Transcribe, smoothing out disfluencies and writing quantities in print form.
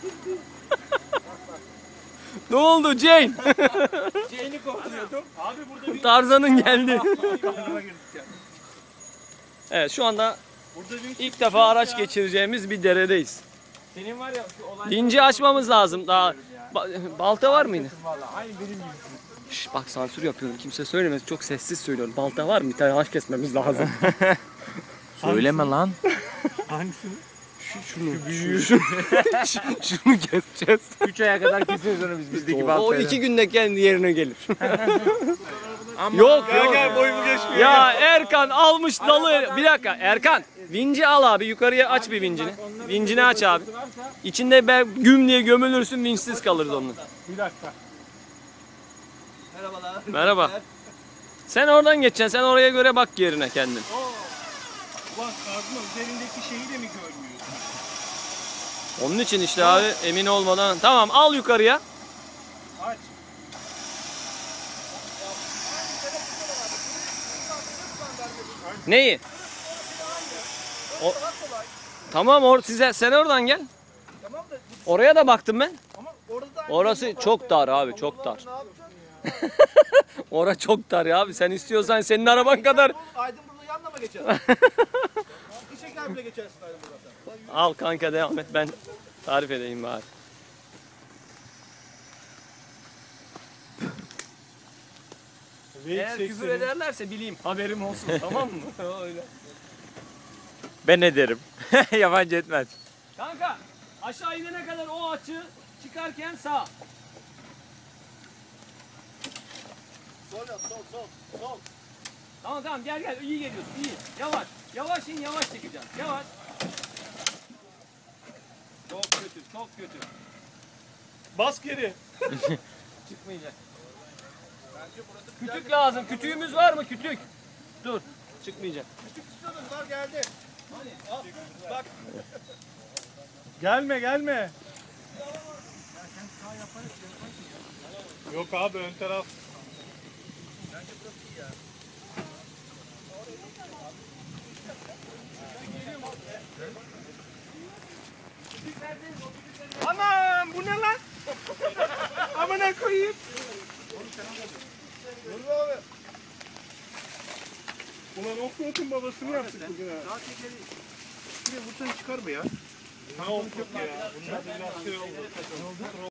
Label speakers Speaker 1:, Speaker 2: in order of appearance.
Speaker 1: Ne oldu Jane?
Speaker 2: Jane'i kovalıyordum. Abi burada bir...
Speaker 1: Tarzan'ın geldi. Evet, şu anda ilk defa araç geçireceğimiz bir deredeyiz.
Speaker 2: Senin var ya şu olay...
Speaker 1: Vinci açmamız lazım daha. Balta var mıydı?
Speaker 2: Vallahi aynı benim gibi.
Speaker 1: Şş, bak sansür yapıyorum. Kimse söylemez. Çok sessiz söylüyorum. Balta var mı? Bir tane ağaç kesmemiz lazım.
Speaker 3: Söyleme lan.
Speaker 2: Hangisini?
Speaker 1: Şunu keseceğiz.
Speaker 3: 3 aya kadar keseriz onu biz bizdeki
Speaker 1: O
Speaker 3: baltayla.
Speaker 1: 2 günde kendi yerine gelir.
Speaker 3: Ama
Speaker 1: Yok
Speaker 2: Gel
Speaker 1: yok.
Speaker 2: gel boyumu geçmiyor.
Speaker 1: Ya Erkan almış dalı. Bir dakika Erkan. Vinci al abi. Yukarıya aç bir vincini. Vincini aç abi. İçinde güm diye gömülürsün. Vinçsiz kalırız onun.
Speaker 2: Bir dakika.
Speaker 4: Merhabalar.
Speaker 1: Merhaba. Sen oradan geçeceksin. Sen oraya göre bak yerine kendin.
Speaker 2: Ulan kazma üzerindeki şeyi de mi görmüyorsun?
Speaker 1: Onun için işte abi emin olmadan. Tamam al yukarıya.
Speaker 2: Aç.
Speaker 1: Neyi? Tamam sen oradan gel. Oraya da baktım ben. Orası çok dar abi, çok dar. Orası çok dar ya abi. Sen istiyorsan senin araban kadar.
Speaker 4: Aydın burada yanına mı geçer? Bir şeker bile geçersin Aydın burada.
Speaker 1: Al kanka devam et, ben tarif edeyim bari. Eğer küfür ederlerse bileyim, haberim olsun, tamam mı? Öyle.
Speaker 3: ben ederim. Yabancı etmez.
Speaker 1: Kanka aşağı inene kadar o açı çıkarken sağ.
Speaker 4: Sol yap, sol.
Speaker 1: Tamam gel iyi geliyorsun, iyi. Yavaş in, yavaş çekeceğim. Yavaş. Çok kötü.
Speaker 2: Bas geri.
Speaker 1: Çıkmayacak. Kütük lazım. Kütüğümüz var mı? Kütük. Dur. Çıkmayacak.
Speaker 4: Küçük istiyordun, var geldi. Al, bak.
Speaker 2: Gelme. Yok abi ön taraf. Anam bu ne lan? Amına koyayım.
Speaker 4: Dur abi.
Speaker 2: Ulan Offroad'un babasını yaptık bugün ha.
Speaker 4: Daha tekeri. Şuraya vursan çıkar mı ya?
Speaker 2: Ha yok ya. Bunlar da biraz şey oldu.